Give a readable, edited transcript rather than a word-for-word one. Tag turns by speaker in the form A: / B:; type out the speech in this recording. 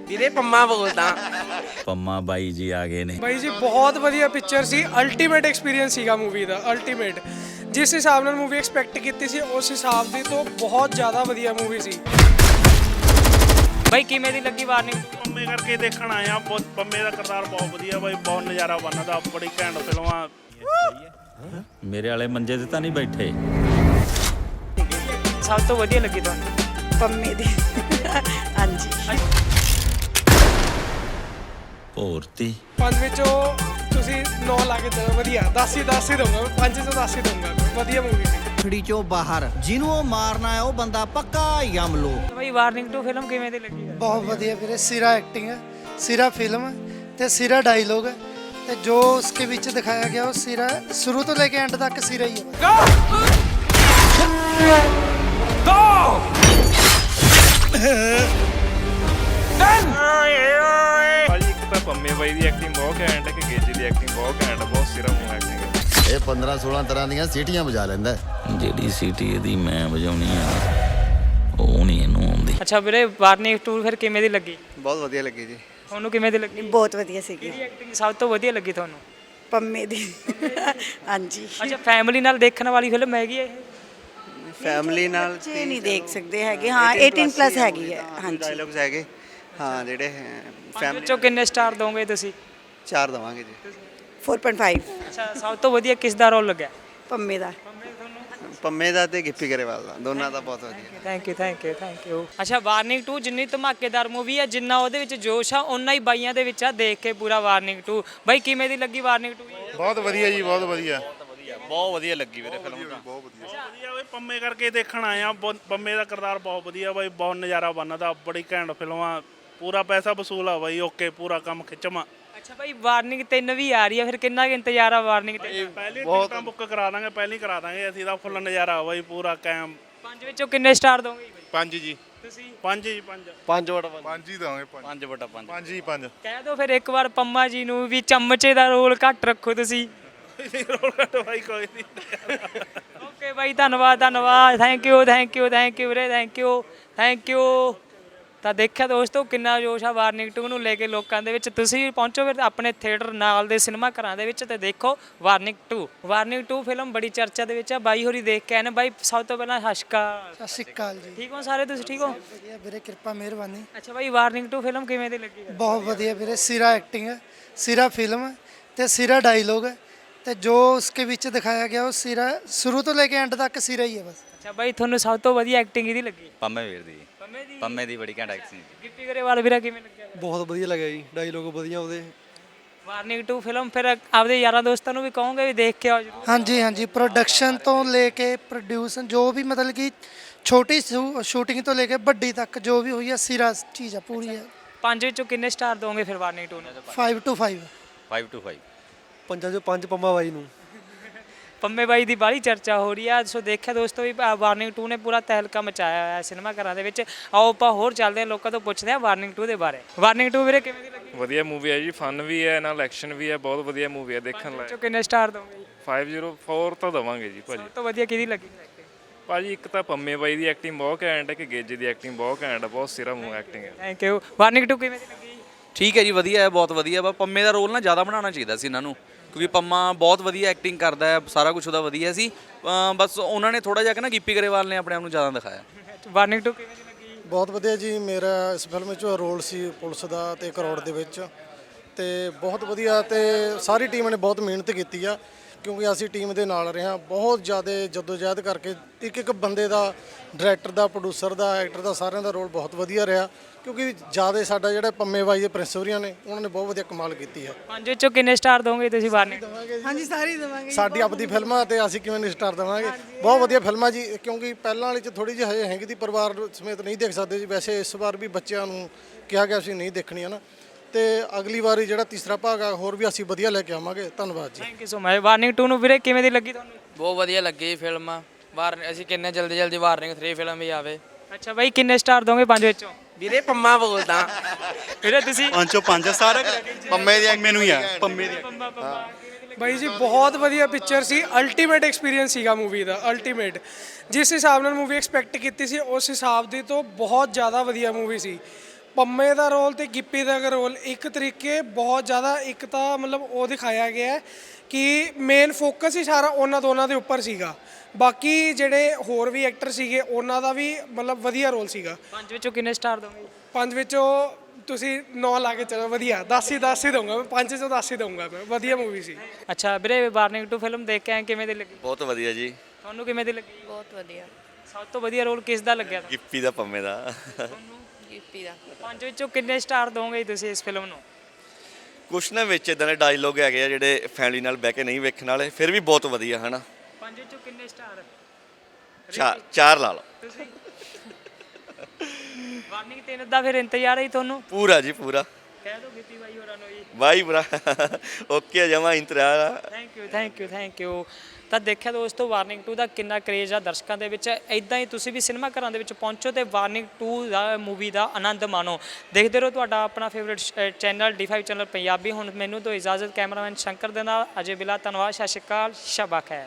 A: ਵੀਰੇ ਪੰਮਾ ਬੋਲਦਾ।
B: ਪੰਮਾ ਬਾਈ ਜੀ ਆ ਗਏ ਨੇ।
C: ਬਾਈ ਜੀ ਬਹੁਤ ਵਧੀਆ ਪਿਕਚਰ ਸੀ, ਅਲਟੀਮੇਟ ਐਕਸਪੀਰੀਅੰਸ ਸੀਗਾ ਮੂਵੀ ਦਾ, ਅਲਟੀਮੇਟ। ਜਿਸ ਹਿਸਾਬ ਨਾਲ ਮੂਵੀ ਐਕਸਪੈਕਟ ਕੀਤੀ ਸੀ ਉਸ ਹਿਸਾਬ ਦੀ ਤੋਂ ਬਹੁਤ ਜ਼ਿਆਦਾ ਵਧੀਆ ਮੂਵੀ ਸੀ।
D: ਬਾਈ ਕਿਵੇਂ ਦੀ ਲੱਗੀ ਵਾਰਨਿੰਗ?
E: ਪੰਮੇ ਕਰਕੇ ਦੇਖਣ ਆਇਆ। ਪੰਮੇ ਦਾ ਕਿਰਦਾਰ ਬਹੁਤ ਵਧੀਆ ਬਾਈ, ਬਹੁਤ ਨਜ਼ਾਰਾ ਬਣਦਾ, ਬੜੀ ਘੈਂਟ ਫਿਲਮ ਆ।
B: ਮੇਰੇ ਵਾਲੇ ਮੰਜੇ ਤੇ ਤਾਂ ਨਹੀਂ ਬੈਠੇ।
D: ਸਭ ਤੋਂ ਵਧੀਆ ਲੱਗੀ ਤੁਹਾਨੂੰ?
F: ਪੰਮੇ ਦੀ ਹਾਂਜੀ।
B: ਭੋਰਤੀ
C: ਪੰਜ ਵਿੱਚੋਂ ਤੁਸੀਂ 9 ਲਾ ਕੇ ਦਿਓ, ਵਧੀਆ 10 ਹੀ ਦਊਂਗਾ, 5 ਚੋਂ 10 ਹੀ ਦਊਂਗਾ। ਵਧੀਆ ਮੂਵੀ ਸੀ।
G: ਖੜੀ ਚੋਂ ਬਾਹਰ ਜਿਹਨੂੰ ਉਹ ਮਾਰਨਾ ਹੈ ਉਹ ਬੰਦਾ ਪੱਕਾ ਯਮ ਲੋ।
D: ਬਾਈ ਵਾਰਨਿੰਗ 2 ਫਿਲਮ ਕਿਵੇਂ ਦੀ ਲੱਗੀ?
H: ਬਹੁਤ ਵਧੀਆ ਵੀਰੇ, ਸਿਰਾ ਐਕਟਿੰਗ ਹੈ, ਸਿਰਾ ਫਿਲਮ ਹੈ ਤੇ ਸਿਰਾ ਡਾਇਲੋਗ ਹੈ ਤੇ ਜੋ ਉਸਕੇ ਵਿੱਚ ਦਿਖਾਇਆ ਗਿਆ ਉਹ ਸਿਰਾ ਸ਼ੁਰੂ ਤੋਂ ਲੈ ਕੇ ਐਂਡ ਤੱਕ ਸਿਰਾ ਹੀ ਹੈ।
E: ਭਾਜੀ ਇੱਕ ਤਾਂ ਪੰਮੇ ਬਾਈ ਦੀ ਐਕਟਿੰਗ ਬਹੁਤ ਘੈਂਟ ਹੈ, ਕਿ ਗੇਜੀ ਦੀ ਐਕਟਿੰਗ ਬਹੁਤ ਘੈਂਟ ਹੈ, ਬਹੁਤ ਸਿਰਾ ਮੂੰਹ ਐਕਟਿੰਗ ਹੈ।
I: ਇਹ 15-16 ਤਰ੍ਹਾਂ ਦੀਆਂ ਸੀਟੀਆਂ ਵਜਾ ਲੈਂਦਾ।
B: ਜਿਹੜੀ ਸੀਟੀ ਇਹਦੀ ਮੈਂ ਵਜਾਉਣੀ ਆ ਉਹ ਨਹੀਂ ਇਹਨੂੰ ਆਉਂਦੀ।
D: ਅੱਛਾ ਵੀਰੇ ਵਾਰਨਿੰਗ 2 ਫਿਰ ਕਿਵੇਂ ਦੀ ਲੱਗੀ?
J: ਬਹੁਤ ਵਧੀਆ ਲੱਗੀ ਜੀ।
D: ਤੁਹਾਨੂੰ ਕਿਵੇਂ ਦੀ ਲੱਗੀ?
F: ਬਹੁਤ ਵਧੀਆ ਸੀਗੀ।
D: ਕਿਹਦੀ ਐਕਟਿੰਗ ਸਭ ਤੋਂ ਵਧੀਆ ਲੱਗੀ ਤੁਹਾਨੂੰ?
F: ਪੰਮੇ ਦੀ ਹਾਂਜੀ।
D: ਅੱਛਾ ਫੈਮਿਲੀ ਨਾਲ ਦੇਖਣ ਵਾਲੀ ਫਿਲਮ ਹੈਗੀ ਹੈ ਇਹ?
J: ਫੈਮਿਲੀ ਨਾਲ
F: ਬੱਚੇ ਨਹੀਂ ਦੇਖ ਸਕਦੇ ਹੈਗੇ, ਹਾਂ 18 ਪਲੱਸ ਹੈਗੀ ਹੈ। ਹਾਂਜੀ
J: ਡਾਇਲੌਗਸ ਹੈਗੇ, ਹਾਂ ਜਿਹੜੇ
D: ਫੈਮਿਲੀ ਚੋਂ ਕਿੰਨੇ ਸਟਾਰ ਦੋਗੇ ਤੁਸੀਂ?
J: 4 ਦਵਾਂਗੇ ਜੀ।
F: 4.5।
D: ਅੱਛਾ ਸਭ ਤੋਂ ਵਧੀਆ ਕਿਸ ਦਾ ਰੋਲ ਲੱਗਿਆ?
F: ਪੰਮੇ ਦਾ।
J: ਪੰਮੇ ਦਾ ਤੇ ਗਿੱਪੀ ਗਰੇਵਾਲ ਦਾ, ਦੋਨਾਂ ਦਾ ਬਹੁਤ ਵਧੀਆ।
D: Thank you. ਅੱਛਾ ਵਾਰਨਿੰਗ 2 ਜਿੰਨੀ ਧਮਾਕੇਦਾਰ ਮੂਵੀ ਹੈ, ਜਿੰਨਾ ਉਹਦੇ ਵਿੱਚ ਜੋਸ਼ ਆ ਓਨਾ ਹੀ ਬਾਈਆਂ ਦੇ ਵਿੱਚ ਆ। ਦੇਖ ਕੇ ਪੂਰਾ ਵਾਰਨਿੰਗ 2 ਬਾਈ ਕਿਵੇਂ ਦੀ ਲੱਗੀ ਵਾਰਨਿੰਗ 2?
E: ਬਹੁਤ ਵਧੀਆ ਜੀ, ਬਹੁਤ ਵਧੀਆ।
B: ਬਹੁਤ ਵਧੀਆ ਲੱਗੀ ਵੀਰੇ ਫਿਲਮ ਤਾਂ।
E: ਵਧੀਆ ਬਾਈ, ਪੰਮੇ ਕਰਕੇ ਦੇਖਣ ਆਇਆ। ਪੰਮੇ ਦਾ ਕਿਰਦਾਰ ਬਹੁਤ ਵਧੀਆ ਬਾਈ, ਬਹੁਤ ਨਜ਼ਾਰਾ ਬਣਦਾ, ਬੜੀ ਘੈਂਟ ਫਿਲਮ ਆ। ਪੂਰਾ ਪੈਸਾ ਵਸੂਲ ਆ ਬਾਈ, ਓਕੇ ਪੂਰਾ ਕੰਮ ਖਿੱਚਵਾਂ।
D: ਅੱਛਾ ਬਾਈ ਵਾਰਨਿੰਗ 3 ਵੀ ਆ ਰਹੀ ਹੈ, ਫਿਰ ਕਿੰਨਾ ਕੁ ਇੰਤਜ਼ਾਰ ਆ ਵਾਰਨਿੰਗ 3?
E: ਪਹਿਲੀ ਟਿਕਟਾਂ ਬੁੱਕ ਕਰਾ ਦਾਂਗੇ, ਪਹਿਲੀ ਕਰਾ ਦਾਂਗੇ ਅਸੀਂ, ਦਾ ਫੁੱਲ ਨਜ਼ਾਰਾ ਬਾਈ, ਪੂਰਾ ਕਾਇਮ।
D: 5 ਵਿੱਚੋਂ ਕਿੰਨੇ ਸਟਾਰ ਦੋਗੇ?
E: 5 ਜੀ।
D: ਤੁਸੀਂ?
E: 5 ਜੀ, 5 5 ਹੀ ਦਾਂਗੇ। 5 ਹੀ 5।
D: ਕਹਿ ਦਿਓ ਫਿਰ ਇੱਕ ਵਾਰ ਪੰਮਾ ਜੀ ਨੂੰ ਵੀ ਚਮਚੇ ਦਾ ਰੋਲ ਘੱਟ ਰੱਖੋ ਤੁਸੀਂ।
E: ਰੋਲ ਕੱਟ ਬਾਈ, ਕੋਈ ਨਹੀਂ।
D: ਓਕੇ ਬਾਈ ਧੰਨਵਾਦ ਥੈਂਕ ਯੂ ਵੀਰੇ, ਥੈਂਕ ਯੂ। ਤਾਂ ਦੇਖਿਆ ਦੋਸਤੋ ਕਿੰਨਾ ਜੋਸ਼ ਆ ਵਾਰਨਿੰਗ 2 ਨੂੰ ਲੈ ਕੇ ਲੋਕਾਂ ਦੇ ਵਿੱਚ। ਤੁਸੀਂ ਵੀ ਪਹੁੰਚੋ ਫਿਰ ਆਪਣੇ ਥੀਏਟਰ ਨਾਲ ਦੇ ਸਿਨੇਮਾ ਘਰਾਂ ਦੇ ਵਿੱਚ ਤੇ ਦੇਖੋ ਵਾਰਨਿੰਗ 2 ਫਿਲਮ ਬੜੀ ਚਰਚਾ ਦੇ ਵਿੱਚ ਆ। ਬਾਈ ਹੋਰੀ ਦੇਖ ਕੇ ਆਏ ਨੇ। ਬਾਈ ਸਭ ਤੋਂ ਪਹਿਲਾਂ ਸਤਿ
H: ਸਤਿ ਸ਼੍ਰੀ ਅਕਾਲ ਜੀ।
D: ਠੀਕ ਹੋ ਸਾਰੇ? ਤੁਸੀਂ ਠੀਕ ਹੋ?
H: ਵਧੀਆ ਵੀਰੇ, ਕਿਰਪਾ ਮਿਹਰਬਾਨੀ।
D: ਅੱਛਾ ਬਾਈ ਵਾਰਨਿੰਗ 2 ਫਿਲਮ ਕਿਵੇਂ ਦੀ ਲੱਗੀ?
H: ਬਹੁਤ ਵਧੀਆ ਵੀਰੇ, ਸਿਰਾ ਐਕਟਿੰਗ ਹੈ, ਸਿਰਾ ਫਿਲਮ ਹੈ ਤੇ ਸਿਰਾ ਡਾਇਲੋਗ ਹੈ ਤੇ ਜੋ ਉਸਕੇ ਵਿੱਚ ਦਿਖਾਇਆ ਗਿਆ ਉਹ ਸਿਰਾ ਸ਼ੁਰੂ ਤੋਂ ਲੈ ਕੇ ਐਂਡ ਤੱਕ ਸਿਰਾ ਹੀ ਹੈ ਬਸ।
D: ਅੱਛਾ ਬਾਈ ਤੁਹਾਨੂੰ ਸਭ ਤੋਂ ਵਧੀਆ ਐਕਟਿੰਗ ਇਹਦੀ ਲੱਗੀ?
B: ਪੰਮੇ ਵੀਰ ਦੀ। ਪੰਮੇ ਦੀ ਬੜੀ ਘੈਂਟ ਐਕਟਿੰਗ।
D: ਗਿੱਪੀ ਗਰੇਵਾਲ ਵੀਰਾ ਕਿਵੇਂ ਲੱਗਿਆ?
H: ਬਹੁਤ ਵਧੀਆ ਲੱਗਿਆ ਜੀ, ਡਾਇਲੋਗ ਵਧੀਆ ਉਹਦੇ।
D: ਵਾਰਨਿੰਗ 2 ਫਿਲਮ ਫਿਰ ਆਪਦੇ ਯਾਰਾਂ ਦੋਸਤਾਂ ਨੂੰ ਵੀ ਕਹੋਗੇ ਵੀ ਦੇਖ ਕੇ ਆਓ ਜਰੂਰ?
H: ਹਾਂਜੀ ਹਾਂਜੀ, ਪ੍ਰੋਡਕਸ਼ਨ ਤੋਂ ਲੈ ਕੇ ਪ੍ਰੋਡਿਊਸਨ ਜੋ ਵੀ ਮਤਲਬ ਕਿ ਛੋਟੀ ਸ਼ੂਟਿੰਗ ਤੋਂ ਲੈ ਕੇ ਵੱਡੀ ਤੱਕ ਜੋ ਵੀ ਹੋਈ ਹੈ ਸਿਰਾ ਚੀਜ਼ ਆ, ਪੂਰੀ ਹੈ।
D: 5 ਵਿੱਚੋਂ ਕਿੰਨੇ ਸਟਾਰ ਦੋਗੇ ਫਿਰ ਵਾਰਨਿੰਗ 2 ਨੂੰ?
H: 5 to 5।
B: 5 to 5।
H: 5 ਚੋਂ 5 ਪੰਮਾ ਬਾਈ ਨੂੰ।
D: ਪੰਮੇ ਬਾਈ ਦੀ ਬਾਹਲੀ ਚਰਚਾ ਹੋ ਰਹੀ ਆ। ਸੋ ਦੇਖਿਆ ਦੋਸਤੋ ਵੀ ਵਾਰਨਿੰਗ 2 ਨੇ ਪੂਰਾ ਤਹਿਲਕਾ ਮਚਾਇਆ ਹੋਇਆ ਸਿਨੇਮਾ ਘਰਾਂ ਦੇ ਵਿੱਚ। ਆਓ ਆਪਾਂ ਹੋਰ ਚੱਲਦੇ ਹਾਂ, ਲੋਕਾਂ ਤੋਂ ਪੁੱਛਦੇ ਹਾਂ ਵਾਰਨਿੰਗ 2 ਦੇ ਬਾਰੇ। ਵਾਰਨਿੰਗ 2 ਵੀਰੇ ਕਿਵੇਂ ਦੀ ਲੱਗੀ?
E: ਵਧੀਆ ਮੂਵੀ ਹੈ ਜੀ, ਫਨ ਵੀ ਹੈ ਨਾਲ ਐਕਸ਼ਨ ਵੀ ਹੈ, ਬਹੁਤ ਵਧੀਆ ਮੂਵੀ ਹੈ, ਦੇਖਣ ਲਾਇਕ।
D: ਵਿੱਚੋਂ ਕਿੰਨੇ ਸਟਾਰ ਦੋਗੇ?
E: 504 ਤਾਂ ਦਵਾਂਗੇ ਜੀ ਭਾਜੀ।
D: ਸਭ ਤੋਂ ਵਧੀਆ ਕਿਹਦੀ ਲੱਗੀ?
E: ਭਾਜੀ ਇੱਕ ਤਾਂ ਪੰਮੇ ਬਾਈ ਦੀ ਐਕਟਿੰਗ ਬਹੁਤ ਘੈਂਟ ਹੈ, ਕਿ ਗੇਜੀ ਦੀ ਐਕਟਿੰਗ ਬਹੁਤ ਘੈਂਟ ਹੈ, ਬਹੁਤ ਸਿਰਾ ਮੂੰਹ ਐਕਟਿੰਗ ਹੈ।
D: Thank you. ਵਾਰਨਿੰਗ 2 ਕਿਵੇਂ ਦੀ ਲੱਗੀ?
A: ਠੀਕ ਹੈ ਜੀ, ਵਧੀਆ ਹੈ, ਬਹੁਤ ਵਧੀਆ ਵਾ। ਪੰਮੇ ਦਾ ਰੋਲ ਨਾ ਜ਼ਿਆਦਾ ਬਣਾਉਣਾ ਚਾਹੀਦਾ ਸੀ ਇਹਨਾਂ ਨੂੰ, ਕਿਉਂਕਿ ਪੰਮਾ ਬਹੁਤ ਵਧੀਆ ਐਕਟਿੰਗ ਕਰਦਾ ਹੈ, ਸਾਰਾ ਕੁਝ ਉਹਦਾ ਵਧੀਆ ਸੀ। ਬਸ ਉਹਨਾਂ ਨੇ ਥੋੜਾ ਜਿਹਾ ਕਿ ਨਾ ਗਿੱਪੀ ਗਰੇਵਾਲ ਨੇ ਆਪਣੇ ਆਪ ਨੂੰ ਜ਼ਿਆਦਾ ਦਿਖਾਇਆ।
D: ਵਾਰਨਿੰਗ 2 ਕਿਵੇਂ ਦੀ ਲੱਗੀ?
H: ਬਹੁਤ ਵਧੀਆ ਜੀ। ਮੇਰਾ ਇਸ ਫਿਲਮ ਵਿੱਚ ਰੋਲ ਸੀ ਪੁਲਿਸ ਦਾ ਤੇ ਕਰੋੜ ਦੇ ਵਿੱਚ, ਤੇ ਬਹੁਤ ਵਧੀਆ ਤੇ ਸਾਰੀ ਟੀਮ ਨੇ ਬਹੁਤ ਮਿਹਨਤ ਕੀਤੀ ਆ, ਕਿਉਂਕਿ ਅਸੀਂ ਟੀਮ ਦੇ ਨਾਲ ਰਹੇ ਹਾਂ। ਬਹੁਤ ਜ਼ਿਆਦਾ ਜਦੋਜਹਿਦ ਕਰਕੇ ਇੱਕ ਬੰਦੇ ਦਾ, ਡਾਇਰੈਕਟਰ ਦਾ, ਪ੍ਰੋਡਿਊਸਰ ਦਾ, ਐਕਟਰ ਦਾ, ਸਾਰਿਆਂ ਦਾ ਰੋਲ ਬਹੁਤ ਵਧੀਆ ਰਿਹਾ, ਕਿਉਂਕਿ ਜ਼ਿਆਦਾ ਸਾਡਾ ਜਿਹੜਾ ਪੰਮੇ ਬਾਈ ਦੇ ਪ੍ਰਿੰਸਵਰੀਆਂ ਨੇ ਉਹਨਾਂ ਨੇ ਬਹੁਤ ਵਧੀਆ ਕਮਾਲ ਕੀਤੀ ਹੈ।
D: 5 ਵਿੱਚੋਂ ਕਿੰਨੇ ਸਟਾਰ ਦੋਗੇ ਤੁਸੀਂ ਵਾਰਨਿੰਗ?
H: ਹਾਂਜੀ ਸਾਰੀ ਦੇਵਾਂਗੇ। ਸਾਡੀ ਆਪਦੀ ਫਿਲਮ ਆ ਤੇ ਅਸੀਂ ਕਿਵੇਂ ਨਹੀਂ ਸਟਾਰ ਦੇਵਾਂਗੇ। ਬਹੁਤ ਵਧੀਆ ਫਿਲਮ ਆ ਜੀ, ਕਿਉਂਕਿ ਪਹਿਲਾਂ ਵਾਲੀ 'ਚ ਥੋੜੀ ਜਿਹੀ ਹਜੇ ਹੈਗੀ ਦੀ, ਪਰਿਵਾਰ ਸਮੇਤ ਨਹੀਂ ਦੇਖ ਸਕਦੇ ਜੀ। ਵੈਸੇ ਇਸ ਵਾਰ ਵੀ ਬੱਚਿਆਂ ਨੂੰ ਕਿਹਾ ਗਿਆ ਸੀ ਨਹੀਂ ਦੇਖਣੀ ਹੈ ਨਾ, ਤੇ ਅਗਲੀ ਵਾਰੀ ਜਿਹੜਾ ਤੀਸਰਾ ਭਾਗ ਆ ਹੋਰ ਵੀ ਅਸੀਂ ਵਧੀਆ ਲੈ ਕੇ ਆਵਾਂਗੇ। ਧੰਨਵਾਦ ਜੀ।
D: Thank you so much. Warning 2 ਨੂੰ ਵੀਰੇ ਕਿਵੇਂ ਦੀ ਲੱਗੀ ਤੁਹਾਨੂੰ?
A: ਬਹੁਤ ਵਧੀਆ ਲੱਗੀ ਫਿਲਮ। ਅਸੀਂ ਕਿੰਨੇ ਜਲਦੀ ਵਾਰਨਿੰਗ 3 ਫਿਲਮ ਵੀ ਆਵੇ।
D: ਅੱਛਾ ਬਾਈ ਕਿੰਨੇ ਸਟਾਰ ਦੋਗੇ 5 ਵਿੱਚੋਂ?
A: ਵੀਰੇ ਪੰਮਾ ਬੋਲਦਾ।
D: ਵੀਰੇ ਤੁਸੀਂ?
J: 5 ਚੋਂ 5 ਸਾਰੇ ਪੰਮੇ ਦੀ ਮੈਨੂੰ ਹੀ ਆ, ਪੰਮੇ ਦੀ।
C: ਬਾਈ ਜੀ ਬਹੁਤ ਵਧੀਆ ਪਿਕਚਰ ਸੀ, ਅਲਟੀਮੇਟ ਐਕਸਪੀਰੀਅੰਸ ਸੀਗਾ ਮੂਵੀ ਦਾ, ਅਲਟੀਮੇਟ। ਜਿਸ ਹਿਸਾਬ ਨਾਲ ਮੂਵੀ ਐਕਸਪੈਕਟ ਕੀਤੀ ਸੀ ਉਸ ਹਿਸਾਬ ਦੀ ਤੋਂ ਬਹੁਤ ਜ਼ਿਆਦਾ ਵਧੀਆ ਮੂਵੀ ਸੀ। ਪੰਮੇ ਦਾ ਰੋਲ ਤੇ ਗਿੱਪੀ ਦਾ ਰੋਲ ਇੱਕ ਤਰੀਕੇ ਬਹੁਤ ਜ਼ਿਆਦਾ, ਇੱਕ ਤਾਂ ਮਤਲਬ ਉਹ ਦਿਖਾਇਆ ਗਿਆ ਹੈ ਕਿ ਮੇਨ ਫੋਕਸ ਹੀ ਸਾਰਾ ਉਹਨਾਂ ਦੋਨਾਂ ਦੇ ਉੱਪਰ ਸੀਗਾ। ਬਾਕੀ ਜਿਹੜੇ ਹੋਰ ਵੀ ਐਕਟਰ ਸੀਗੇ ਉਹਨਾਂ ਦਾ ਵੀ ਮਤਲਬ ਵਧੀਆ ਰੋਲ ਸੀਗਾ।
D: 5 ਵਿੱਚੋਂ ਕਿੰਨੇ ਸਟਾਰ ਦੋਗੇ?
C: 5 ਵਿੱਚੋਂ ਤੁਸੀਂ 9 ਲਾ ਕੇ ਚਲੋ, ਵਧੀਆ 10 ਹੀ ਦਊਂਗਾ ਮੈਂ, 5 ਚੋਂ 10 ਹੀ ਦਊਂਗਾ ਮੈਂ, ਵਧੀਆ ਮੂਵੀ ਸੀ।
D: ਅੱਛਾ ਵੀਰੇ, ਵਾਰਨਿੰਗ 2 ਫਿਲਮ ਦੇਖ ਕੇ ਆਏ, ਕਿਵੇਂ ਦੀ ਲੱਗੀ?
J: ਬਹੁਤ ਵਧੀਆ ਜੀ।
D: ਤੁਹਾਨੂੰ ਕਿਵੇਂ ਦੀ ਲੱਗੀ?
F: ਬਹੁਤ ਵਧੀਆ।
D: ਸਭ ਤੋਂ ਵਧੀਆ ਰੋਲ ਕਿਸ ਦਾ ਲੱਗਿਆ ਤੁਹਾਨੂੰ?
J: ਗਿੱਪੀ ਦਾ, ਪੰਮੇ ਦਾ।
F: ਗਿੱਪੀ ਦਾ।
D: 5 ਵਿੱਚੋਂ ਕਿੰਨੇ ਸਟਾਰ ਦੋਗੇ ਤੁਸੀਂ ਇਸ ਫਿਲਮ ਨੂੰ?
J: ਕੁਛ ਨਾ ਵਿੱਚ ਇਦਾਂ ਦੇ ਡਾਇਲੋਗ ਹੈਗੇ ਆ ਜਿਹੜੇ ਫੈਮਿਲੀ ਨਾਲ ਬਹਿ ਕੇ ਨਹੀਂ ਵੇਖਣ ਵਾਲੇ, ਫਿਰ ਵੀ ਬਹੁਤ ਵਧੀਆ ਹਨਾ।
D: 5 ਵਿੱਚੋਂ ਕਿੰਨੇ ਸਟਾਰ?
J: ਚਾਰ ਲਾ ਲਓ।
D: ਤੁਸੀਂ ਵਾਰਨਿੰਗ 3 ਦਾ ਫਿਰ ਇੰਤਜ਼ਾਰ ਹੈ ਤੁਹਾਨੂੰ?
J: ਪੂਰਾ ਜੀ ਪੂਰਾ।
D: ਕਹਿ ਦਿਓ ਗਿੱਪੀ ਬਾਈ ਹੋਰਾਂ ਨੂੰ ਜੀ।
J: ਬਾਈ ਬਰਾ ਓਕੇ ਜਮਾ ਇੰਤਜ਼ਾਰ ਆ।
D: Thank you. ਤਾਂ ਦੇਖਿਆ ਦੋਸਤੋ ਵਾਰਨਿੰਗ 2 ਦਾ ਕਿੰਨਾ ਕਰੇਜ਼ ਆ ਦਰਸ਼ਕਾਂ ਦੇ ਵਿੱਚ। ਇਦਾਂ ਹੀ ਤੁਸੀਂ ਵੀ ਸਿਨੇਮਾ ਘਰਾਂ ਦੇ ਵਿੱਚ ਪਹੁੰਚੋ ਤੇ ਵਾਰਨਿੰਗ 2 ਦਾ ਮੂਵੀ ਦਾ ਆਨੰਦ ਮਾਣੋ। ਦੇਖਦੇ ਰਹੋ ਤੁਹਾਡਾ ਆਪਣਾ favourite channel D5 channel Punjabi. ਹੁਣ ਮੈਨੂੰ ਤੋਂ ਇਜਾਜ਼ਤ, ਕੈਮਰਾਮੈਨ ਸ਼ੰਕਰ ਦੇ ਨਾਲ ਅਜੇ ਬਿਲਾ, ਧੰਨਵਾਦ, ਸਤਿ ਸ਼੍ਰੀ ਅਕਾਲ, ਸ਼ਬਾ ਖੈਰ।